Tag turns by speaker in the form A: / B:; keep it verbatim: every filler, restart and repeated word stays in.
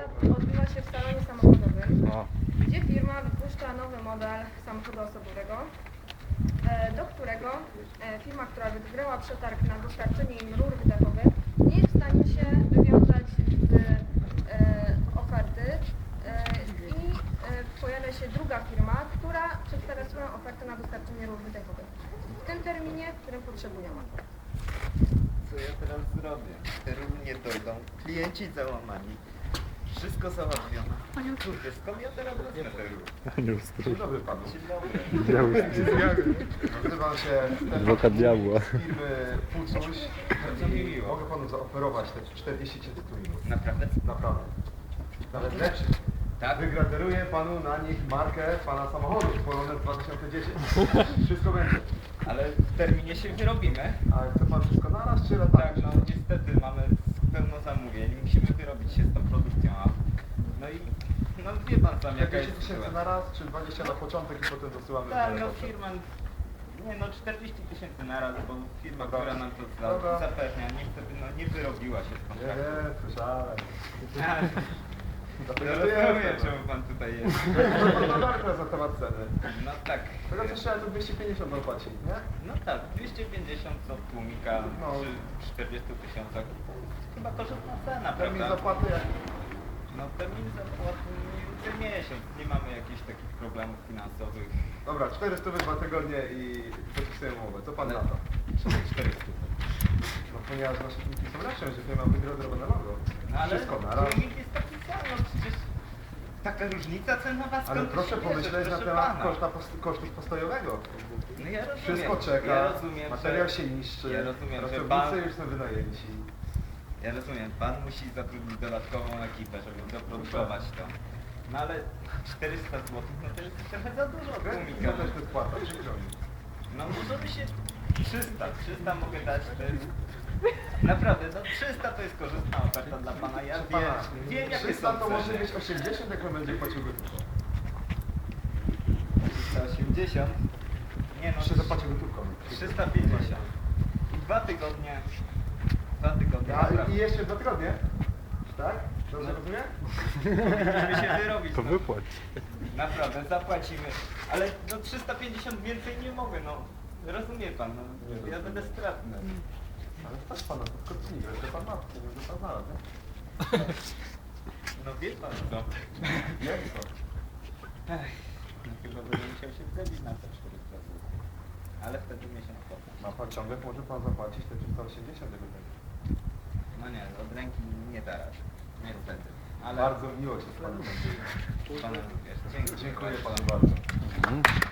A: Odbywa się w salonie samochodowym,
B: O.
A: gdzie firma wypuszcza nowy model samochodu osobowego, e, do którego e, firma, która wygrała przetarg na dostarczenie im rur wydechowych, nie jest w stanie się wywiązać z e, oferty e, i e, pojawia się druga firma, która przedstawia swoją ofertę na dostarczenie rur wydechowych w tym terminie, w którym potrzebują.
C: Co ja teraz zrobię? Te rury nie dojdą, klienci załamani. Wszystko załatwione. Kurde, skąd ja teraz wezmę te rury?
B: Anioł stróż.
D: Dzień dobry panu.
C: Dzień dobry.
B: Diabeł.
D: Nazywam się Stefan
B: Adwokat diabła.
D: z firmy Pucuś.
C: Bardzo mi miło.
D: Mogę panu zaoferować te czterdzieści tytułów.
C: Naprawdę?
D: Naprawdę. Nawet lepszy.
C: Tak?
D: Wygraderuję panu na nich markę pana samochodu Polones dwa tysiące dziesięć. Wszystko będzie.
C: Ale w terminie się wyrobimy.
D: A chce pan wszystko naraz czy latami?
C: Tak, no niestety mamy pełno zamówień. Musimy wyrobić się z tą produkcją. A... No i no wie pan sam jaka
D: czterdzieści
C: jest
D: tysięcy
C: sytuacja.
D: naraz czy dwadzieścia na początek i potem dosyłamy
C: Tak,
D: w
C: no
D: pocztę?
C: firma... Nie no, czterdzieści tysięcy naraz, bo firma,
D: Dobra.
C: która nam to
D: Dobra.
C: za, zapewnia, niestety no nie wyrobiła się z
D: Nie,
C: kontraktu.
D: nie, słyszałem.
C: No
D: Dlatego
C: rozumiem,
D: jest.
C: czemu pan tutaj jest.
D: Rozmawiamy teraz na temat ceny.
C: No tak.
D: Tego co trzeba to dwieście pięćdziesiąt opłacić, nie?
C: No tak, dwieście pięćdziesiąt od tłumika
D: No.
C: przy czterdziestu tysiącach. Chyba korzystna cena,
D: Termin
C: prawda?
D: zapłaty jak...
C: No termin zapłaty ten miesiąc. Nie mamy jakichś takich problemów finansowych.
D: Dobra, czterysta dwa tygodnie i podpisuję umowę. Co pan na to?
C: czterysta.
D: No ponieważ nasze filmiki są lepsze, że firma wygra zrobione logo.
C: No ale
D: Wszystko na raz.
C: tłumik jest taki sam, no przecież taka różnica cenowa skąd
D: Ale
C: to
D: proszę
C: się
D: pomyśleć
C: bierze,
D: na
C: proszę
D: temat
C: pana.
D: koszta, post- kosztów postojowego.
C: No ja rozumiem.
D: Wszystko czeka,
C: Ja rozumiem,
D: materiał
C: że...
D: się niszczy,
C: Ja rozumiem, że
D: pracownicy
C: pan...
D: już są wynajęci.
C: Ja rozumiem, pan musi zatrudnić dodatkową ekipę, żeby doprodukować to. No ale czterysta złotych, no to jest trochę za dużo od
D: Ja
C: tłumika.
D: też to jest płata, przykro mi.
C: No możemy się... trzysta, trzysta mogę dać, to jest... Naprawdę, no trzysta to jest korzystna oferta dla pana, ja
D: Proszę
C: wiem,
D: pana,
C: wiem jakie
D: trzysta
C: są
D: to może
C: ceny.
D: być osiemdziesiąt, jak on będzie płacił gotówką.
C: trzysta osiemdziesiąt. Nie no,
D: Jeszcze zapłacił gotówką.
C: trzysta pięćdziesiąt. Dwa tygodnie. Dwa tygodnie,
D: A,
C: naprawdę.
D: I jeszcze dwa tygodnie? Tak? Dobrze
C: No.
D: rozumiem?
C: Powinniśmy się wyrobić.
B: To
C: no.
B: wypłać.
C: Naprawdę, zapłacimy. Ale no trzysta pięćdziesiąt więcej nie mogę, no. Rozumie pan, no. Ja będę stratny.
D: Ale stać pana, to kotnik, że pan ma, nie wiem, że pan znalazł, nie?
C: No wie pan co.
D: Jak to?
C: Ech, no chyba będę musiał się zgodzić na te czterysta złotych. Ale wtedy miesiąc potem.
D: Ma pan ciągle, może pan zapłacić te trzysta osiemdziesiąt tego tego.
C: No nie, od ręki nie teraz. Niestety. Ale
D: Bardzo miło się z panem.
C: Pana również. Dziękuję.
D: Dziękuję panu bardzo.
B: Mhm.